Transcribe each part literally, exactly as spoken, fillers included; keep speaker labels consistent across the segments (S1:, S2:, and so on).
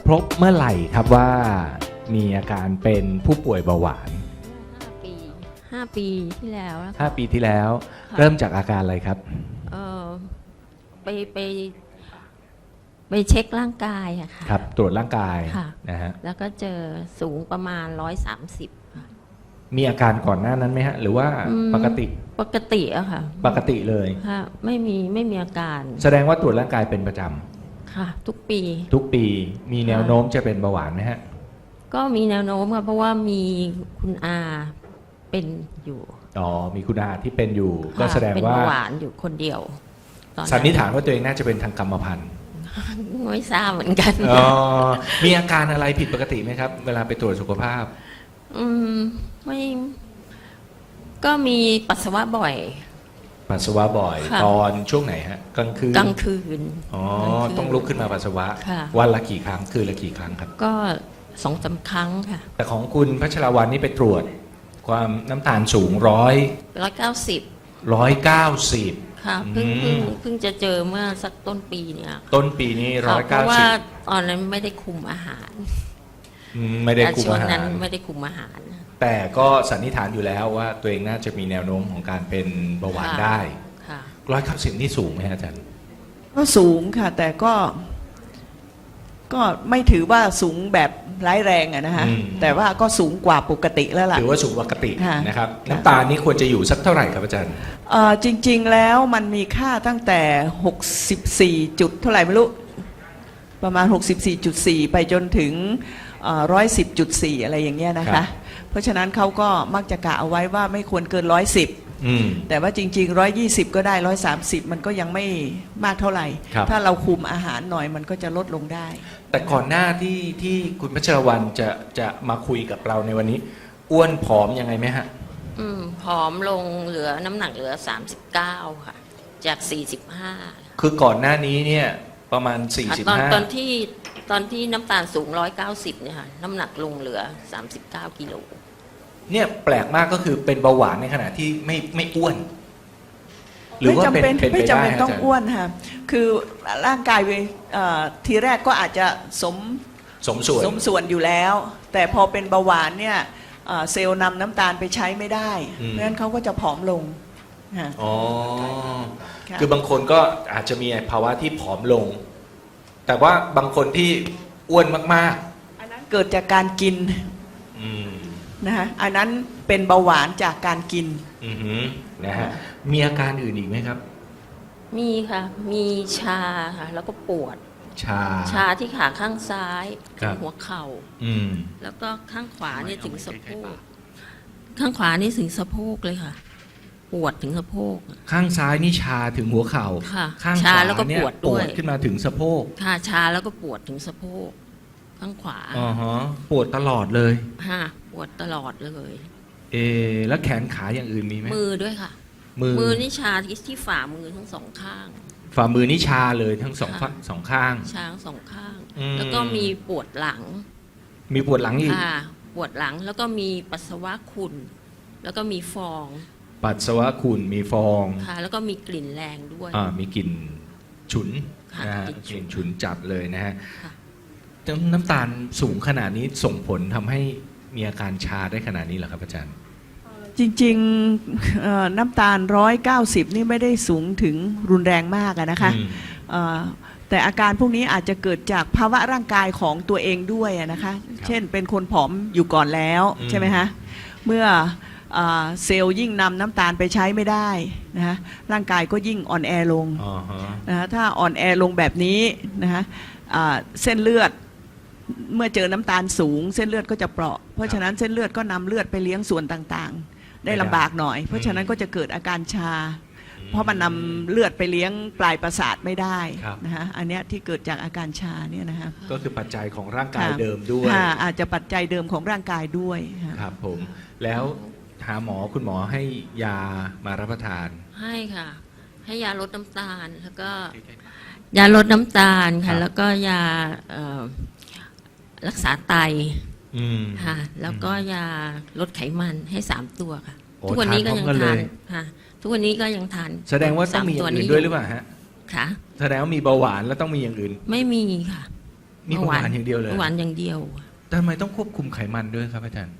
S1: รบเมื่อไหร่ครับว่ามีอาการเป็นผู้ป่วยเบาหวาน
S2: ห้าปีห้าปีที่แล้วนะคะ
S1: ห้าปีที่แล้ว
S2: ค่ะ
S1: เริ่มจากอาการอะไรครับ
S2: เออไปไปไปเช็คร่างกายอะค่ะ
S1: ครับตรวจร่างกาย
S2: ค่ะ
S1: นะฮะ
S2: แล้วก็เจอสูงประมาณร้อยสามสิบค่ะ
S1: มีอาการก่อนหน้านั้นไหมฮะหรือว่า
S2: อืม
S1: ปกติ
S2: ปกติอะค่ะ
S1: ปกติเลย
S2: ค่ะไม่มีไม่มีอาการ
S1: แสดงว่าตรวจร่างกายเป็นประจ
S2: ค่ะ ทุกปี
S1: ำทุกปีมีแนวโน้มจะเป็นเบาหวานไหมฮะ
S2: ก็มีแนวโน้มค่ะเพราะว่ามีคุณอาเป็นอยู่
S1: อ๋อมีคุณอาที่เป็นอยู่
S2: ค่ะ
S1: ก็แสดง
S2: เป็น
S1: ว่า
S2: เบาหวานอยู่คนเดียวตอน
S1: สันนิษฐานว่าตัวเองน่าจะเป็นทางกรรมพันธุ์
S2: ไม่ทราบเหมือนกัน
S1: อ๋อมีอาการอะไรผิดปกติไหมครับ เวลาไปตรวจสุขภาพ
S2: อืมไม่ก็มีปัสสาวะบ่อย
S1: ปัสสาวะบ่อย
S2: ค่ะ
S1: ตอนช่วงไหนฮะกลางคืน
S2: กลางคืน
S1: อ๋อก
S2: ลางคืน
S1: ต้องลุกขึ้นมาปัสสาวะ
S2: ค่ะ
S1: วันละกี่ครั้งคืนละกี่ครั้งครับ
S2: ก็สองสามครั้งค่ะ
S1: แต่ของคุณพัชรวรรณนี่ไปตรวจ ความน้ำตาลสูงร้อย
S2: ร้อยเก้าสิบ
S1: ร้อยเก้าสิบ
S2: ค่ะเพิ่ง
S1: อื
S2: เพิ่ง
S1: ม
S2: เพิ่งจะเจอเมื่อสักต้นปีเนี่ย
S1: ต้นปีนี้ร้
S2: ค่ะ
S1: อย
S2: เพ
S1: เก้า
S2: ราะ
S1: สิ
S2: ว่า
S1: บ
S2: ตอนนั้นไม่ได้คุมอาหาร
S1: ไม่ได้
S2: แต่
S1: คุม
S2: ช่วง
S1: อาหา
S2: นั้น
S1: ร
S2: ไม่ได้คุมอาหาร
S1: แต่ก็สันนิษฐานอยู่แล้วว่าตัวเองน่าจะมีแนวโน้มของการเป็นเบาหวาน
S2: ค่ะ
S1: ได้
S2: ค่ะ
S1: ร้อยเก้าสิบนี่สูงไหมฮะอาจารย์
S3: ก็สูงค่ะ แต่ก็ ก็ไม่ถือว่าสูงแบบร้ายแรงอะนะฮะ
S1: อืม
S3: แต่ว่าก็สูงกว่าปกติแล้วล่ะ
S1: ถือว่าสูงปกติ
S3: ค่ะ
S1: นะครับ
S3: ค่ะ
S1: น้ำตาลนี่ควรจะอยู่สักเท่าไหร่ครับอาจารย์
S3: เอ่อจริง ๆ แล้วมันมีค่าตั้งแต่หกสิบสี่จุดเท่าไหร่ไม่รู้ ประมาณ หกสิบสี่จุดสี่ ไปจนถึงหนึ่งร้อยสิบจุดสี่ อะไรอย่างเงี้ยนะ
S1: ครั
S3: คะ
S1: บ
S3: เพราะฉะนั้นเขาก็มักจะกะเอาไว้ว่าไม่ควรเกินร้อยสิบ
S1: อืม
S3: แต่ว่าจริงๆหนึ่งร้อยยี่สิบก็ได้หนึ่งร้อยสามสิบมันก็ยังไม่มากเท่าไหร่
S1: ครับ
S3: ถ้าเราคุมอาหารหน่อยมันก็จะลดลงได้
S1: แต่ก่อนหน้าที่ที่คุณพัชรวรรณจะจะมาคุยกับเราในวันนี้ อ้วนผอมยังไงไหมฮะ
S2: อืมผอมลงเหลือน้ำหนักเหลือสามสิบเก้าค่ะ จากสี่สิบห้า
S1: คือก่อนหน้านี้เนี่ยประมาณ
S2: ตอน
S1: สี่สิบห้า
S2: ตอนที่ตอนที่น้ำตาลสูงร้อยเก้าสิบเนี่ยค่ะน้ำหนักลงเหลือสามสิบเก้ากิโล
S1: เนี่ยแปลกมากก็คือเป็นเบาหวานในขณะที่ไม่ไม่อ้วน หรือ
S3: ไม่
S1: ว่า
S3: จำ
S1: เป็น
S3: เป็น
S1: เป็นไป
S3: ไม่จำ
S1: ได้
S3: เป็น
S1: ฮะ
S3: ต้อง
S1: อาจารย์
S3: อ้วนค่ะคือร่างกายเอ่อทีแรกก็อาจจะสม
S1: สมส่วน
S3: สมส่วนอยู่แล้ว แต่พอเป็นเบาหวานเนี่ยเอ่อเซลล์นำน้ำตาลไปใช้ไม่ได้
S1: อืม
S3: เพราะฉะนั้นเขาก็จะผอมลงค่ะ
S1: อ๋อ
S3: ค่ะ
S1: คือบางคนก็อาจจะมีภาวะที่ผอมลง แต่ว่าบางคนที่อ้วนมาก
S3: อันนั้นเกิดจากการกิน
S1: ๆ อืม
S3: นะคะอันนั้นเป็นเบาหวานจากการกิน
S1: อือหือนะฮะมีอาการอื่นอีกไหมครับ
S2: มีค่ะ มีชาค่ะ แล้วก็ปวด
S1: ชา
S2: ชาที่ขาข้างซ้าย
S1: ครั
S2: ถึ
S1: บ
S2: งหัวเข่า
S1: อืม
S2: แล้วก็ข้างขวาเนี่ยถึงสะโพก ข้างขวานี่ถึงสะโพกเลยค่ะ ปวดถึงสะโพก
S1: ข้างซ้ายนี่ชาถึงหัวเข่า
S2: ค่ะ
S1: ข้างข
S2: ชาว
S1: า
S2: แล้วก็
S1: เนี่ย
S2: ปวดด้วย
S1: ขึ้นมาถึงสะโพก
S2: ค่ะชาแล้วก็ปวดถึงสะโพก ข้างขวา
S1: อ๋อฮะปวดตลอดเลย
S2: ค่ะปวดตลอดเลย
S1: เออแล้วแขนขาอย่างอื่นมีไหม
S2: มือด้วยค่ะ
S1: มือ
S2: มือนี่ชาที่ที่ฝ่ามือทั้งสองข้าง
S1: ฝ่ามือนี่ชาเลยทั้งสอง
S2: ค่ะ
S1: ฝั่งสองข้าง
S2: ชาทั้งสองข้าง
S1: อืม
S2: แล้วก็มีปวดหลัง
S1: มีปวดหลังอีก
S2: ค่ะ ปวดหลังแล้วก็มีปัสสาวะขุ่นแล้วก็มีฟอง
S1: ปัสสาวะขุ่นมีฟอง
S2: ค่ะ แล้วก็มีกลิ่นแรงด้วย
S1: อ่ามีกลิ่นฉุน
S2: ค่ะ
S1: นะฮะ
S2: กลิ่นฉุน
S1: กลิ่นฉุนจัดเลยนะฮะ
S2: ค่ะ
S1: น้ำน้ำตาลสูงขนาดนี้ส่งผลทำให้มีอาการชาได้ขนาดนี้เหรอครับอาจารย์
S3: จริงๆเอ่อน้ำตาลร้อยเก้าสิบนี่ไม่ได้สูงถึงรุนแรงมากอะนะคะ
S1: อืม
S3: เอ่อแต่อาการพวกนี้อาจจะเกิดจากภาวะร่างกายของตัวเองด้วยอะนะคะ เช่นเป็นคนผอมอยู่ก่อนแล้ว
S1: อืม
S3: ใช่ไหมคะเมื่อเอ่อเซลล์ยิ่งนำน้ำตาลไปใช้ไม่ได้นะคะร่างกายก็ยิ่งอ่อนแอลง
S1: อ๋อฮะ
S3: นะคะถ้าอ่อนแอลงแบบนี้นะคะอ่าเส้นเลือดเมื่อเจอน้ำตาลสูง เส้นเลือดก็จะเปราะ เพราะฉะนั้นเส้นเลือดก็นำเลือดไปเลี้ยงส่วนต่างๆ ได้ลำบากหน่อย เพราะฉะนั้นก็จะเกิดอาการชา เพราะมันนำเลือดไปเลี้ยงปลายประสาทไม่ได้นะคะอันเนี้ยที่เกิดจากอาการชาเนี่ยนะคะ
S1: ก็คือปัจจัยของร่างกาย
S3: ค่ะ
S1: เดิมด้วย
S3: ค่ะอาจจะปัจจัยเดิมของร่างกายด้วยค่ะ
S1: ครับผม แล้วหาหมอคุณหมอให้ยามารับประทาน
S2: ให้ค่ะ ให้ยาลดน้ำตาลแล้วก็ ยาลดน้ำตาล
S1: ครั
S2: ค่ะ
S1: บ
S2: แล้วก็ยาเอ่อรักษาไต
S1: อืม
S2: ค่ะ แล้วก็ยาลดไขมันให้สามตัวค่ะ
S1: โอ้
S2: ทุกวันนี้ก็
S1: ทาน
S2: ยัง
S1: พร้อมกัน
S2: ทาน
S1: เลย
S2: ค่ะ ทุกวันนี้ก็ยังทาน
S1: แสดงว่าต้องมีอย่างอื่นด้วยหรือเปล่าฮะ
S2: ค่ะ
S1: แสดงว่ามีเบาหวานแล้วต้องมีอย่างอื่น
S2: ไม่มีค่ะ
S1: มีเบาหวานอย่างเดียวเลย
S2: เบาหวานอย่างเดียว
S1: แต่ทำไมต้องควบคุมไขมันด้วยครับอาจารย์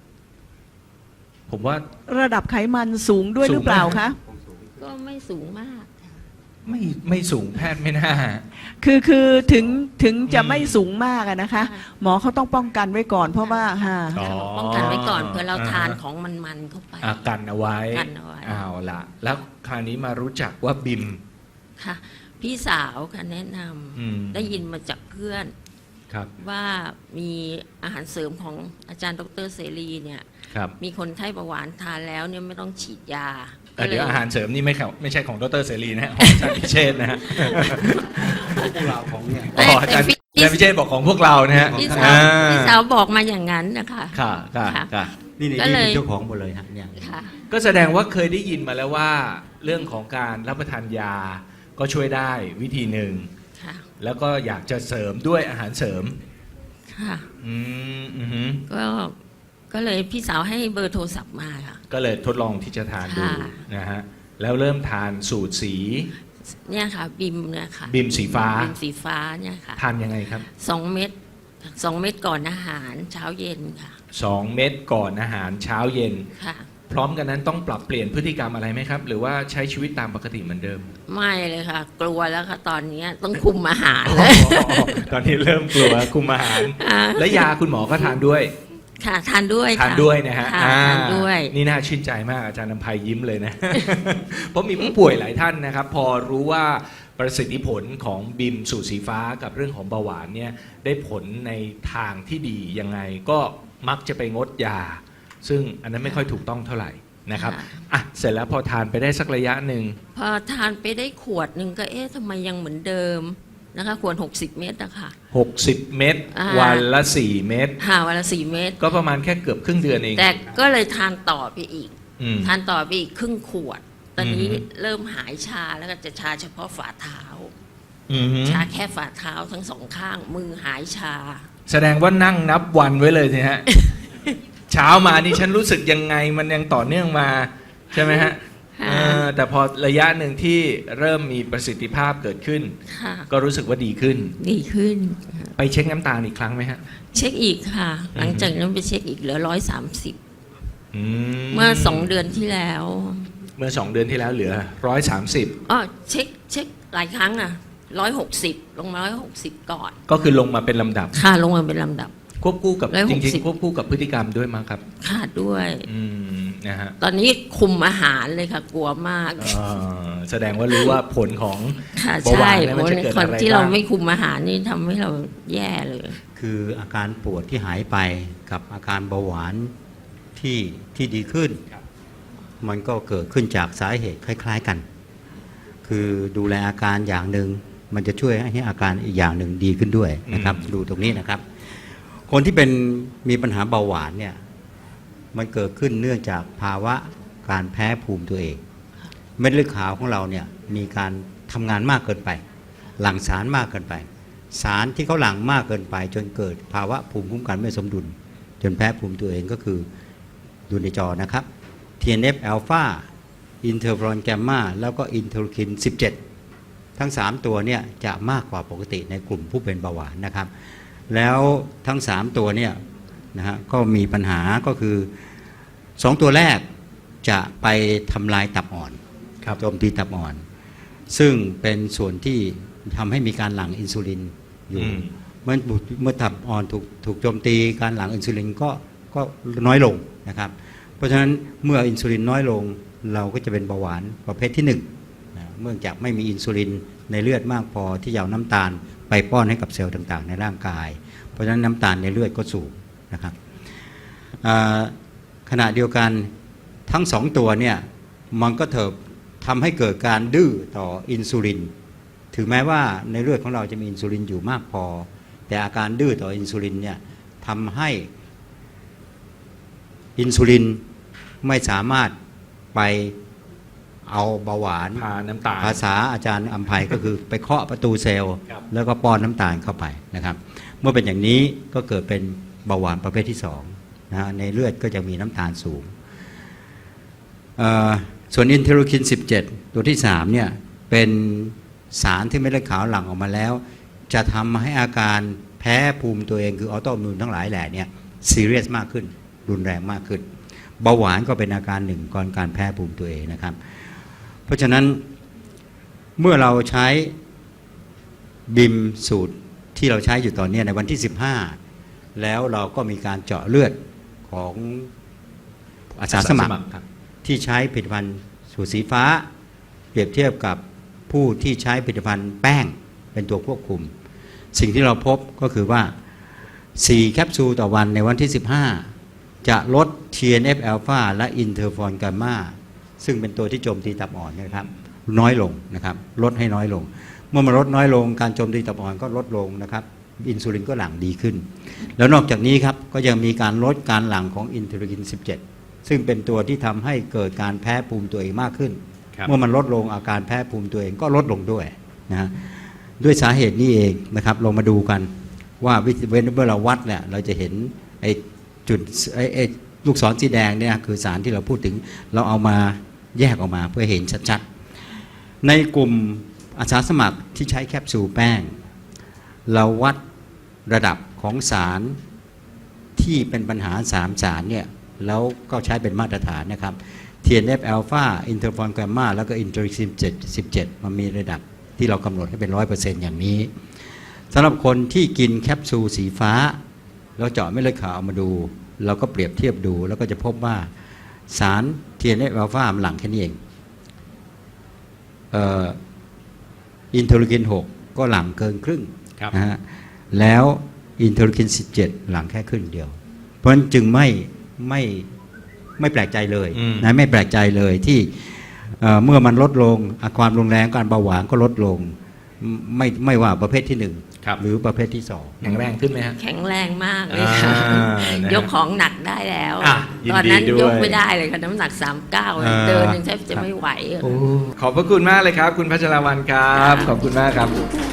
S1: ผมว่า
S3: ระดับไขมันสูงด้วยหรือเปล่า
S1: สูงไหม
S3: คะ
S2: ก็ไม่สูงมาก
S1: ไม่ไม่สูงแพทย์ไม่น่า
S3: คือคือถึงถึงจะ
S1: อืม
S3: ไม่สูงมากอะนะคะ
S2: ค่ะ
S3: หมอเขาต้องป้องกันไว้ก่อน เพราะว่าฮะ
S1: อ๋อ
S2: ป้องกันไว้ก่อนเผื่อเราทาน
S1: อ่าฮะ
S2: ของมันๆเข้าไป
S1: อากันเอาไว้
S2: กันเอาไว้
S1: เอาละแล้วคราวนี้มารู้จักว่าบิม
S2: ค่ะ พี่สาวค่ะแนะน
S1: อืม
S2: ำได้ยินมาจากเพื่อน
S1: ครับ
S2: ว่ามีอาหารเสริมของอาจารย์ดรเสรีเนี่ย
S1: ครับ
S2: มีคนไข้เบาหวานทานแล้วเนี่ยไม่ต้องฉีดยา
S1: แต่เดี๋ยวอาหารเสริมนี่ไม่ครับไม่ใช่ของดรเสรีนะฮะของอาจารย์พิเชษฐ์นะฮะ
S4: พวกเราของเนี่ย
S1: อ๋ออาจารย์อาจารย์พิเชษฐ์บอกของพวกเรานะฮะ
S2: พี่
S4: ข
S2: สาว
S1: อ่
S2: พี่สาวบอกมาอย่างนั้นนะคะ
S1: ค่ะค่ะ
S2: ค่ะ
S1: ค่ะ
S4: นี่นี่
S2: ก็เลย
S4: เป็นเจ้าของหมดเลยฮะเนี่ย
S2: ค่ะ
S1: ก็แสดงว่าเคยได้ยินมาแล้วว่า เรื่องของการรับประทานยาก็ช่วยได้วิธีหนึ่ง
S2: ค่ะ
S1: แล้วก็อยากจะเสริมด้วยอาหารเสริม
S2: ค่ะ
S1: อืมอือหือ
S2: ก็ก็เลยพี่สาวให้เบอร์โทรศัพท์มาค่ะ
S1: ก็เลยทดลองที่จะทานดู
S2: ค่ะ
S1: นะฮะแล้วเริ่มทานสูตรสี
S2: เนี่ยค่ะ บิมเนี่ยค่ะ
S1: บิมสีฟ้า
S2: บิมสีฟ้าเนี่ยค่ะ
S1: ทานยังไงครับ
S2: สองเม็ดสองเม็ดก่อนอาหารเช้าเย็นค่ะ
S1: สองเม็ดก่อนอาหารเช้าเย็น
S2: ค่ะ
S1: พร้อมกันนั้นต้องปรับเปลี่ยนพฤติกรรมอะไรไหมครับ หรือว่าใช้ชีวิตตามปกติเหมือนเดิม
S2: ไม่เลยค่ะ กลัวแล้วค่ะตอนเนี้ยต้องคุมอาหารเลย
S1: ตอนนี้เริ่มกลัวคุมอาหาร
S2: อ่า
S1: และยาคุณหมอก็ทานด้วย
S2: ค่ะทานด้วย
S1: ทาน
S2: ค่ะ
S1: ด้วยนะฮะ
S2: ค่ะ
S1: อ่
S2: ทานด้วย
S1: นี่น่าชื่นใจมากอาจารย์นำภัยยิ้มเลยนะ เพราะมีผู้ป่วยหลายท่านนะครับ พอรู้ว่าประสิทธิผลของบิมสูตรสีฟ้ากับเรื่องของเบาหวานเนี่ยได้ผลในทางที่ดียังไงก็มักจะไปงดยา ซึ่งอันนั้นไม่ค่อยถูกต้องเท่าไหร่นะครับอ่ะเสร็จแล้วพอทานไปได้สักระยะหนึ่ง
S2: พอทานไปได้ขวดหนึ่งก็เอ๊ะทำไมยังเหมือนเดิมนะคะขวดหกสิบเม็ดอะค่ะ
S1: หกสิบเม็ด
S2: อ่า
S1: วันละสี่เม็ด
S2: หาวันละสี่เม็ด
S1: ก็ประมาณแค่เกือบครึ่งเดือนเอง
S2: แต่ก็เลยทานต่อไปอีก
S1: อืม
S2: ทานต่อไปอีกครึ่งขวด ตอนนี้
S1: อืม
S2: เริ่มหายชาแล้วก็จะชาเฉพาะฝ่าเท้า
S1: อืม
S2: ชาแค่ฝ่าเท้าทั้งสองข้าง มือหายชา
S1: แสดงว่านั่งนับวันไว้เลยสิฮะ เช้ามานี่ฉันรู้สึกยังไงมันยังต่อเนื่องมาใช่ไหมฮะ
S2: ค่ะ
S1: เออแต่พอระยะหนึ่งที่เริ่มมีประสิทธิภาพเกิดขึ้น
S2: ค่ะ
S1: ก็รู้สึกว่าดีขึ้น
S2: ดีขึ้น
S1: ไปเช็คน้ำตาลอีกครั้งไหมฮะ
S2: เช็คอีกค่ะ หลังจากนั้นไปเช็คอีกเหลือร้อยสามสิบ
S1: อื
S2: เมื่อสองเดือนที่แล้ว
S1: เมื่อสองเดือนที่แล้วเหลือร้อยสามสิบ
S2: อ๋อเช็คเช็คหลายครั้งอ่ะร้อยหกสิบลงมาร้อยหกสิบก่อน
S1: ก็คือลงมาเป็นลำดับ
S2: ค่ะลงมาเป็นลำดับ
S1: ควบคู่กับ
S2: ร้อย
S1: จ
S2: หกสิ
S1: ริ
S2: บ
S1: งๆควบคู่กับพฤติกรรมด้วยมั้งครับ
S2: ค่ะด้วย
S1: อืมนะฮะ
S2: ตอนนี้คุมอาหารเลยค่ะ กลัวมาก
S1: เอ่อแสดงว่ารู้ว่าผลของ
S2: ค่ะ
S1: เบาหวา
S2: ใช่
S1: นเนี่ยมันจะเกิด
S2: คน
S1: อะไร
S2: ที่เรา
S1: บ้าง
S2: ไม่คุมอาหารนี่ทำให้เราแย่เลย
S4: คืออาการปวดที่หายไปกับอาการเบาหวานที่ที่ดีขึ้น มันก็เกิดขึ้นจากสาเหตุคล้าย ๆกัน คือดูแลอาการอย่างหนึ่งมันจะช่วยให้อาการอีกอย่างหนึ่งดีขึ้นด้วยนะครับ
S1: อืม
S4: ดูตรงนี้นะครับ คนที่เป็นมีปัญหาเบาหวานเนี่ยมันเกิดขึ้นเนื่องจากภาวะการแพ้ภูมิตัวเอง เม็ดเลือดขาวของเราเนี่ยมีการทำงานมากเกินไป หลั่งสารมากเกินไป สารที่เขาหลั่งมากเกินไป จนเกิดภาวะภูมิคุ้มกันไม่สมดุล จนแพ้ภูมิตัวเองก็คือดูในจอนะครับ ที เอ็น เอฟ อลฟา อินเทอร์ฟรอนแกมมาแล้วก็อินเทอร์คิน สิบเจ็ด ทั้ง สาม ตัวเนี่ยจะมากกว่าปกติในกลุ่มผู้เป็นเบาหวานนะครับ แล้วทั้ง สาม ตัวเนี่ยนะฮะก็มีปัญหาก็คือ สอง ตัวแรกจะไปทำลายตับอ่อน
S1: ครับ
S4: โจมตีตับอ่อน ซึ่งเป็นส่วนที่ทำให้มีการหลั่งอินซูลินอยู่
S1: อืม
S4: เมื่อเมื่อตับอ่อนถูกถูกโจมตีการหลั่งอินซูลินก็ก็น้อยลงนะครับ เพราะฉะนั้นเมื่ออินซูลินน้อยลงเราก็จะเป็นเบาหวานประเภทที่หนึ่งนะเมื่อจากไม่มีอินซูลินในเลือดมากพอที่จะเอาน้ำตาลไปป้อนให้กับเซลล์ต่างๆ ในร่างกาย เพราะฉะนั้นน้ำตาลในเลือดก็สูงนะครับอ่าขณะเดียวกันทั้งสองตัวเนี่ยมันก็เถิบทำให้เกิดการดื้อต่ออินซูลินถึงแม้ว่าในเลือดของเราจะมีอินซูลินอยู่มากพอแต่อาการดื้อต่ออินซูลินเนี่ยทำให้อินซูลินไม่สามารถไปเอาเบาหวาน
S1: พาน้ำตาล
S4: ภาษาอาจารย์อัมภัยก็คือไปเคาะประตูเซลล์
S1: ครับ
S4: แล้วก็ป้อนน้ำตาลเข้าไปนะครับ เมื่อเป็นอย่างนี้ก็เกิดเป็นเบาหวานประเภทที่สองนะฮะในเลือดก็จะมีน้ำตาลสูงเอ่อส่วนอินเทอร์คิน สิบเจ็ด ตัวที่สามเนี่ยเป็นสารที่เม็ดเลือดขาวหลั่งออกมาแล้ว จะทำให้อาการแพ้ภูมิตัวเองคือออโตอิมมูนทั้งหลายแหล่เนี่ยซีเรียสมากขึ้นรุนแรงมากขึ้นเบาหวานก็เป็นอาการหนึ่งก่อนการแพ้ภูมิตัวเองนะครับเพราะฉะนั้นเมื่อเราใช้บิมสูตรที่เราใช้อยู่ตอนนี้ในวันที่สิบห้าแล้วเราก็มีการเจาะเลือดของอาสาสมัคร
S1: ครับ
S4: ที่ใช้ผลิตภัณฑ์สูตรสีฟ้าเปรียบเทียบกับผู้ที่ใช้ผลิตภัณฑ์แป้งเป็นตัวควบคุมสิ่งที่เราพบก็คือว่าสี่แคปซูลต่อวันในวันที่ สิบห้า จะลด ที เอ็น เอฟ อลฟา และอินเทอร์ฟอนกามาซึ่งเป็นตัวที่โจมตีตับอ่อนนะครับน้อยลงนะครับลดให้น้อยลงเมื่อมันลดน้อยลงการโจมตีตับอ่อนก็ลดลงนะครับอินซูลินก็หลั่งดีขึ้นแล้วนอกจากนี้ครับก็ยังมีการลดการหลั่งของอินเทอร์ลีนสิบเจ็ดซึ่งเป็นตัวที่ทำให้เกิดการแพ้ภูมิตัวเองมากขึ้น
S1: ครับ
S4: เมื่อมันลดลงอาการแพ้ภูมิตัวเองก็ลดลงด้วยนะฮะด้วยสาเหตุนี้เองนะครับลองมาดูกันว่าวิธีเว้นเมื่อเราวัดเนี่ยเราจะเห็นไอ้จุดไอ้ไอ้ลูกศรสีแดงเนี่ยคือสารที่เราพูดถึงเราเอามาแยกออกมาเพื่อเห็นชัดๆในกลุ่มอาสาสมัครที่ใช้แคปซูลแป้งเราวัดระดับของสารที่เป็นปัญหาสามสารเนี่ยแล้วก็ใช้เป็นมาตรฐานนะครับ ที เอ็น เอฟ อลฟา อินเทอร์ฟอนกามาแล้วก็อินเทอร์ลีนสิบเจ็ดมันมีระดับที่เรากำหนดให้เป็น ร้อยเปอร์เซ็นต์ อย่างนี้สำหรับคนที่กินแคปซูลสีฟ้าแล้วเจาะเม็ดเลือดขาวมาดูเราก็เปรียบเทียบดูแล้วก็จะพบว่าสาร ที เอ็น เอฟ อลฟา มันหลั่งแค่นี้เองเอ่ออินเทอร์ลีนหกก็หลั่งเกินครึ่ง
S1: ครับ
S4: นะฮะแล้วอินเทอร์ลีนสิบเจ็ดหลั่งแค่ครึ่งเดียวเพราะฉะนั้นจึงไม่ไม่ไม่แปลกใจเลย
S1: อืม
S4: นะไม่แปลกใจเลยที่เอ่อเมื่อมันลดลงอ่ะความรุนแรงการเบาหวานก็ลดลงไม่ไม่ว่าประเภทที่หนึ่ง
S1: ครับ
S4: หรือประเภทที่สอง
S1: แข็งแรงขึ้นไหมฮะ
S2: แข็งแรงมากเลยค่ะ
S1: อ่านะฮะ
S2: ยกของหนักได้แล้ว
S1: อ่ะยินดี
S2: ตอนนั้น
S1: ด้วย
S2: ยกไม่ได้เลยค่ะน้ำหนักสามเก้า
S4: อ่า
S2: เดินยังแทบจะไม่ไหวอะ
S1: ขอบพระคุณมากเลยครับ คุณพัชรวรรณครับ ขอบคุณมากครับ